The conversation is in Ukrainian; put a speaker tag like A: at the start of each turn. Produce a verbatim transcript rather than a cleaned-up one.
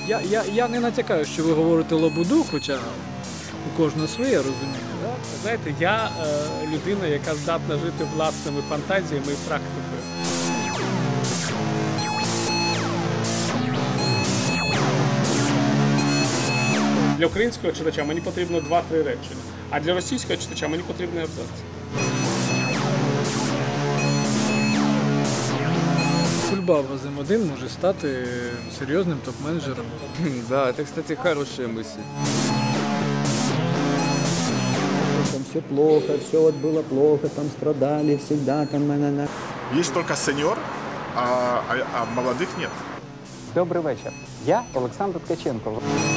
A: Я, я, я не натякаю, що ви говорите лабуду, хоча у кожного своє розуміння. Да?
B: Знаєте, я е, людина, яка здатна жити власними фантазіями і практикою. Для українського читача мені потрібно два-три речення, а для російського читача мені потрібний абзац.
A: Кульбаба з М один може стати серйозним топ-менеджером.
C: Да, это, кстати, хорошая мысль.
D: Там все плохо, все вот было плохо, там страдали всегда, там на-на-на.
E: Есть только сеньор, а, а, а молодых нет.
F: Добрий вечір. Я Олександр Ткаченко.